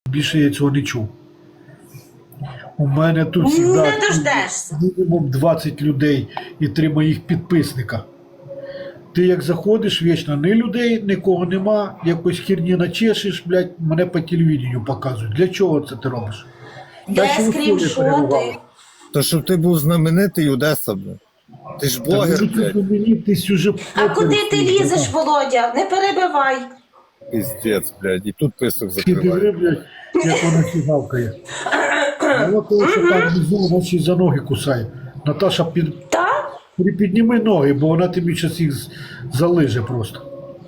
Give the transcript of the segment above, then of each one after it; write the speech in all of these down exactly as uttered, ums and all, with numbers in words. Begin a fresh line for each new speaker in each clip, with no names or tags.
Більше я цього не чув. У мене тут
Не
завжди
дождешся.
мінімум двадцять людей і три моїх підписника. Ти як заходиш, вічно ні людей, нікого нема, якось херні начешеш, блядь, мене по телевіденню показують. Для чого це ти робиш?
Де
ще в школі
скріншоти?
перебував.
То щоб ти був знаменитий Одеса, бля. Ти ж
Та
блогер,
мені це
блядь.
знаменитість уже
А
похер,
куди ти
блядь.
лізеш, Володя? Не перебивай.
Піздець, блядь. І тут писок
Ти диви,
закриває.
блядь, як вона сігавкає. Мало того, що там внизу вона ще й за ноги кусає. Наташа, під...
Та?
підніми ноги, бо вона тобі зараз їх з- залиже просто.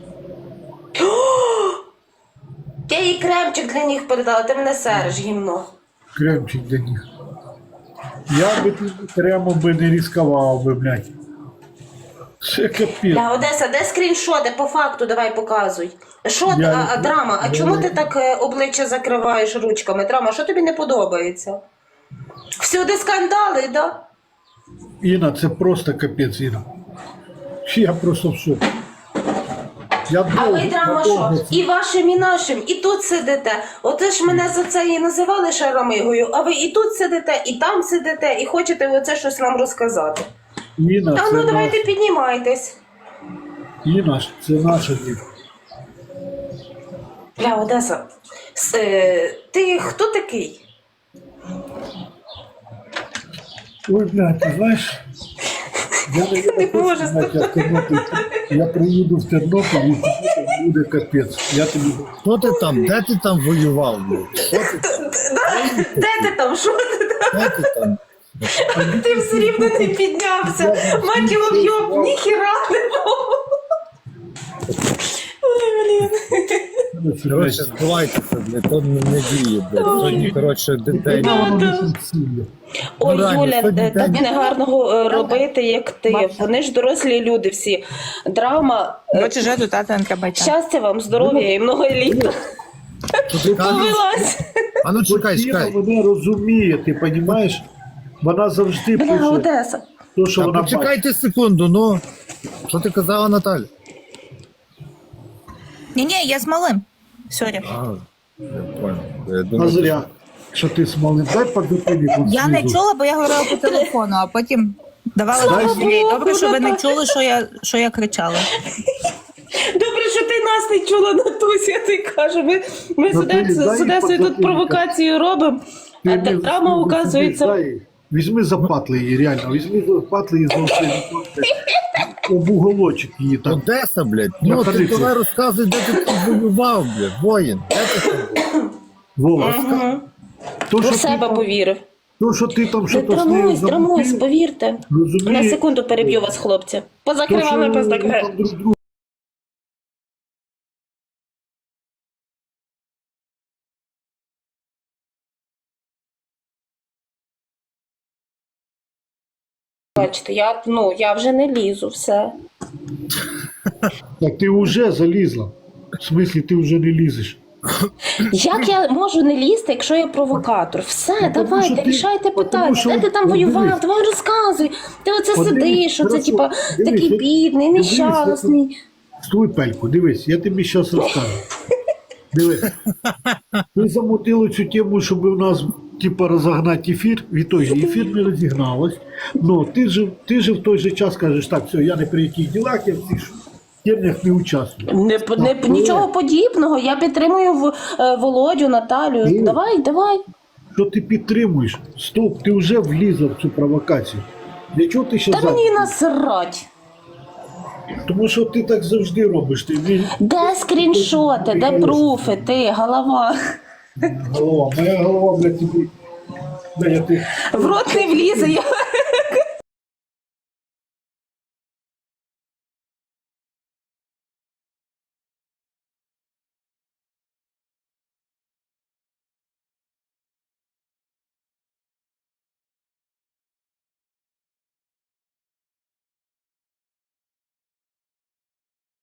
Я їй кремчик для них передала, ти мене сереш, гімно.
Кремчик для них. Я би тут кремом би не ризикував би, блядь. Це капець.
Бля, Одеса, де скріншоти? По факту давай показуй. Що ти,
Я-
а, а, драма, а
я-
чому ти так е, обличчя закриваєш ручками? Драма, що тобі не подобається? Всюди скандали, да?
Інна, це просто капець, Інна. Я просто в шокі. Я
А ви,
довго-
драма,
довго
що?
це-
І вашим, і нашим, і тут сидите. Оце ж мене за це і називали шаромигою, а ви і тут сидите, і там сидите, і хочете оце щось нам розказати.
Інна,
А
це
ну давайте
наш...
піднімайтесь.
Інна, це наша діти.
Бля, Одеса, с- е, ти хто такий?
Ой, блядь, ти знаєш, я не,
Не можу
знати, як Тернопіль. Я приїду в Тернопіль і там буде капець. Я тобі...
Хто ти там? Де ти там воював, блядь? Що ти там?
Да? Де ти там? Що ти там?
Де ти там?
Ти все рівно не піднявся. Мать його в'єб, ніхіра не було. Ой, блін.
Коротше, збивайтеся, блядь, то не, не діє, блядь. Сьогодні, коротше, дітей.
Вона воно не функціонує.
Ой,
Ну, реально,
Юля,
сьогодні
е, так
день.
негарного е, робити, як ти. Вони ж дорослі люди всі. Драма. е,
Хочеш жити тата НКБТ?
Щастя вам, здоров'я і много літ.
Що ти кажеш?
Повелась.
А ну чекай,
От Інна
чекай.
мене розуміє, ти розумієш? Вона завжди
Бля,
пише
Одеса.
те, що
А
вона бачить.
почекайте секунду, ну. Що ти казала, Наталя?
Ні-ні, я з малим. Сорі.
А, я понял. Я
А
думаю,
зря, що ти смолив. Дай подопини.
Я не чула, бо я говорила по телефону, а потім давала
Слава
зрозуміти.
Богу,
Добре, що ви не
Наталя.
чули, що я, що я кричала.
Добре, що ти нас не чула, Натуся, я ти кажу. Ми, ми з
Ну, ти
Одесою-
дай
з Одесою тут
подзатильника.
провокацію робимо, а
Ти
та-
не-
драма,
ти
оказується.
дай. Візьми запатли її, реально. Візьми запатли її знову. Об уголочок її там.
Одеса, блядь. Ну, ти
Находиться.
давай розказуй, де ти там воював, блядь, воїн. Де ти там?
Вова,
Угу.
то,
У
що ти
себе
там,
повірив.
то, що ти там
Не
що-то з нею
трамусь, трамусь,
замутив,
повірте.
розумієш?
На секунду переб'ю вас, хлопці. Поза
то, що
кривами,
ви
поза
там друг другу
Бачите, я, ну, я вже не лізу, все.
Так ти вже залізла. В смислі, ти вже не лізеш.
Як я можу не лізти, якщо я провокатор? Все,
Ну, тому
давайте,
що ти-
рішайте
тому
питання.
що-
Де ти там
от
воював?
дивись.
Давай розказуй. Ти оце
От дивись,
сидиш, оце,
хорошо.
типа,
Дивись,
такий
я-
бідний,
дивись,
нещасний.
Стой, Пельку, дивись, я тобі зараз розкажу. Дивись. Ми замутили цю тему, щоб у нас типа розогнати ефір. В ітогі ефір не розігналось. Ну, ти ж, ти ж в той же час кажеш, так, все, я не при яких ділах, я в цих темнях не участвую.
Не, не,
Так,
нічого подібного. Я підтримую в, е, Володю, Наталю.
Ні.
Давай, давай.
Що ти підтримуєш? Стоп, ти вже влізла в цю провокацію. Для чого ти ще
Та
за?
мені насрать.
Тому що ти так завжди робиш. Ти ві-
Де скріншоти, де пруфи, ти, голова.
голова, моя голова, блядь, тобі. Бля, я ти...
В рот не влізе, я